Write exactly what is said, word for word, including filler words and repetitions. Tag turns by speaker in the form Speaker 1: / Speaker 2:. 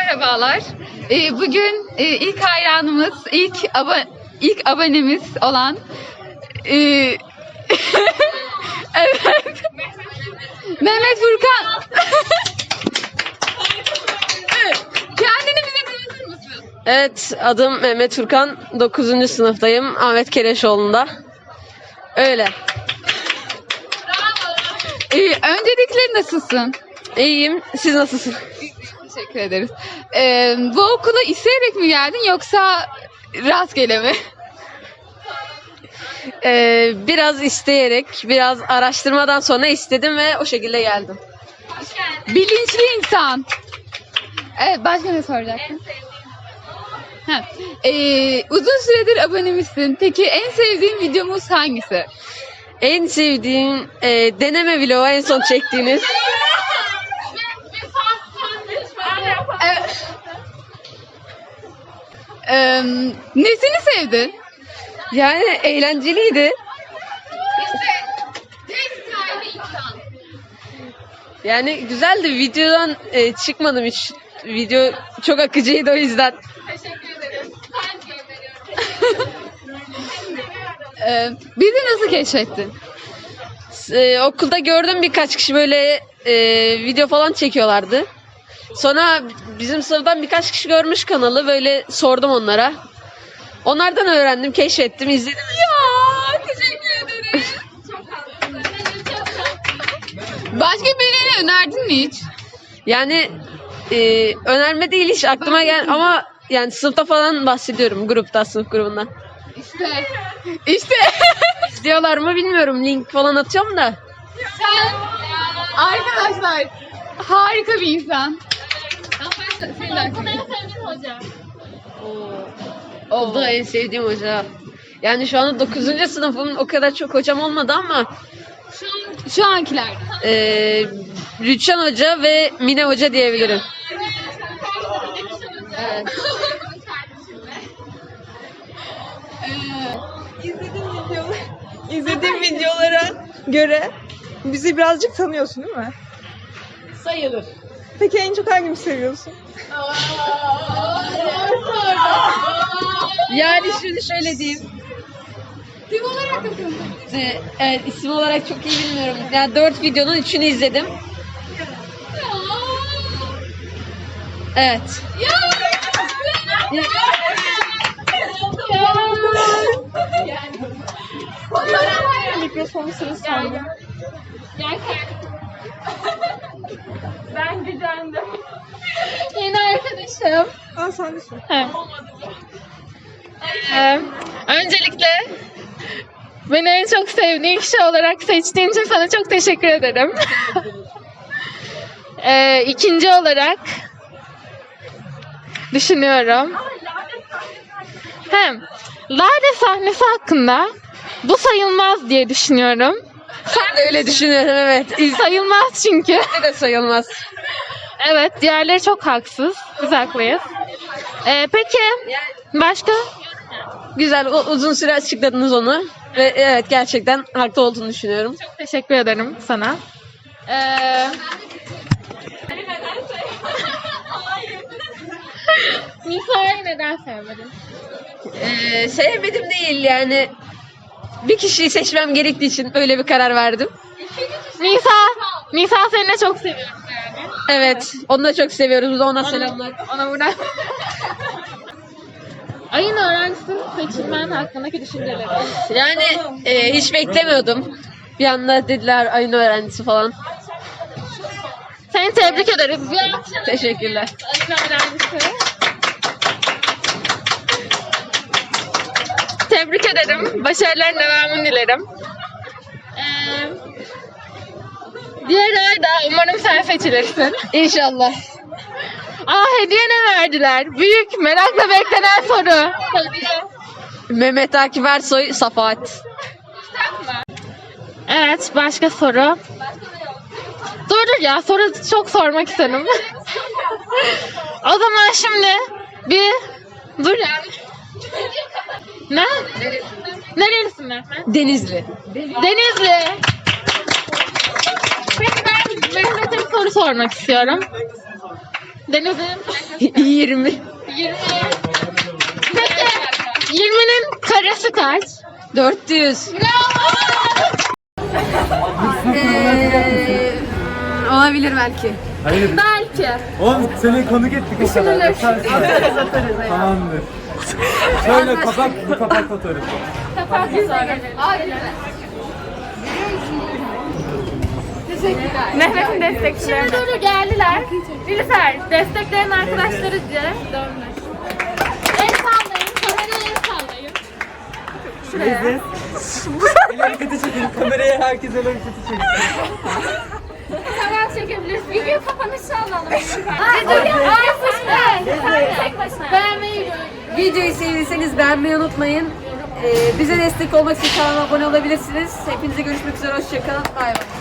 Speaker 1: Merhabalar. Ee, bugün e, ilk hayranımız, ilk abo ilk abonemiz olan e, evet Mehmet Furkan. Evet. Kendini bize tanıtır mısın?
Speaker 2: Evet, adım Mehmet Furkan. dokuzuncu sınıftayım. Ahmet Kereşoğlu'nda. Öyle.
Speaker 1: Ee, öncelikle nasılsın?
Speaker 2: İyiyim. Siz nasılsınız?
Speaker 1: Teşekkür ederiz. Ee, bu okula isteyerek mi geldin yoksa rastgele mi?
Speaker 2: Ee, biraz isteyerek, biraz araştırmadan sonra istedim ve o şekilde geldim.
Speaker 1: Bilinçli insan. Evet, başka ne soracaktın? Ha. Ee, uzun süredir abonemizsin. Peki en sevdiğin videomuz hangisi?
Speaker 2: En sevdiğim e, deneme vlogu en son çektiğiniz.
Speaker 1: Evet. Ee, nesini sevdin?
Speaker 2: Yani eğlenceliydi. Yani güzeldi. Videodan e, çıkmadım hiç. Video çok akıcıydı o yüzden.
Speaker 1: Teşekkür ederim. ee, bizi nasıl keşfettin?
Speaker 2: Ee, okulda gördüm birkaç kişi böyle e, video falan çekiyorlardı. Sonra bizim sınıftan birkaç kişi görmüş kanalı, böyle sordum onlara. Onlardan öğrendim, keşfettim, izledim.
Speaker 1: Ya teşekkür ederim. Başka birine önerdin mi hiç?
Speaker 2: Yani e, önerme değil, hiç aklıma gel ama yani sınıfta falan bahsediyorum, grupta, sınıf grubundan.
Speaker 1: İşte. İşte.
Speaker 2: İzliyorlar mı bilmiyorum, link falan atıyorum da.
Speaker 1: Sen arkadaşlar harika bir insan. Senin de arkadaşın.
Speaker 2: O da en sevdiğim hoca. Yani şu anda dokuzuncu sınıfım, o kadar çok hocam olmadı ama
Speaker 1: Şu, an, şu ankiler.
Speaker 2: e, Rüçhan Hoca ve Mine Hoca diyebilirim. Evet.
Speaker 3: İzlediğim videolar, izlediğim videolara göre bizi birazcık tanıyorsun değil mi?
Speaker 2: Sayılır.
Speaker 3: Peki en çok hangimizi seviyorsun?
Speaker 2: Yani şimdi şöyle diyeyim.
Speaker 1: Tim olarak da tanıdım.
Speaker 2: Ee, evet, isim olarak çok iyi bilmiyorum. Yani dört videonun üçünü izledim. Evet.
Speaker 1: Ya.
Speaker 3: Mikrofonu sırası sende.
Speaker 1: Ben gücendim. Yeni arkadaşım.
Speaker 3: Aa sen de sor.
Speaker 4: Ee, öncelikle beni en çok sevdiğin kişi olarak seçtiğin için sana çok teşekkür ederim. ee, ikinci olarak düşünüyorum. Hem Lale sahnesi hakkında bu sayılmaz diye düşünüyorum.
Speaker 2: Ben de öyle düşünüyorum, evet. İzle
Speaker 4: Sayılmaz çünkü.
Speaker 2: de sayılmaz.
Speaker 4: Evet, diğerleri çok haksız. Biz haklıyız. Ee, peki başka?
Speaker 2: Güzel, o, uzun süre açıkladınız onu. Ve evet, gerçekten haklı olduğunu düşünüyorum.
Speaker 4: Teşekkür ederim sana. Ee, Nisa'yı neden sevmedin?
Speaker 2: Ee, sevmedim değil yani. Bir kişiyi seçmem gerektiği için öyle bir karar verdim.
Speaker 4: Nisa, Nisa seni de çok seviyorum yani.
Speaker 2: Evet, onu da çok seviyoruz. Bu da ona selamlar.
Speaker 4: Ona buradan. Ayın öğrencisi seçilmen hakkındaki düşünceleri.
Speaker 2: Yani e, hiç beklemiyordum. Bir anda dediler ayın öğrencisi falan.
Speaker 4: Seni tebrik ederiz. Bir alkış.
Speaker 2: Teşekkürler.
Speaker 4: Ayın öğrencisi. Tebrik ederim. Başarıların devamını dilerim. Ee, diğer ay da umarım sen seçilirsin.
Speaker 2: İnşallah.
Speaker 4: Aa, hediye ne verdiler? Büyük, merakla beklenen soru. Hediye.
Speaker 2: Mehmet Akif Ersoy, Safahat.
Speaker 4: Evet, başka soru. Dur dur ya, soru çok sormak istedim. O zaman şimdi bir dur ya. Ne? Nerelisin Mehmet?
Speaker 2: Denizli.
Speaker 4: Denizli. Peki ben Mehmet'e bir soru sormak istiyorum. Deniz'in
Speaker 2: yirmi.
Speaker 4: yirmi. Peki yirminin karesi kaç?
Speaker 2: dört yüz. Olabilir belki.
Speaker 5: Hayır.
Speaker 4: Belki.
Speaker 5: Oğlum seni konuk ettik o kadar. Yaparsın. Tamamdır. Şöyle kapak, bu kapak fotoğrafı.
Speaker 4: Kapat sonra. Mehmet'in destekçileri. Şimdi doğru geldiler. Nilüfer, destekleyen arkadaşları diye dönmek. El sallayın, kameraya el sallayın. Şuraya.
Speaker 5: El hareketi çekin. Kameraya herkes el hareketi çekin.
Speaker 4: Hemen çekebiliriz. Video kapanışı alalım. Video ay tek başına. Beğenmeyi
Speaker 2: Videoyu sevdiyseniz beğenmeyi unutmayın. Ee, bize destek olmak için kanala abone olabilirsiniz. Hepinize görüşmek üzere. Hoşçakalın. Bay bay.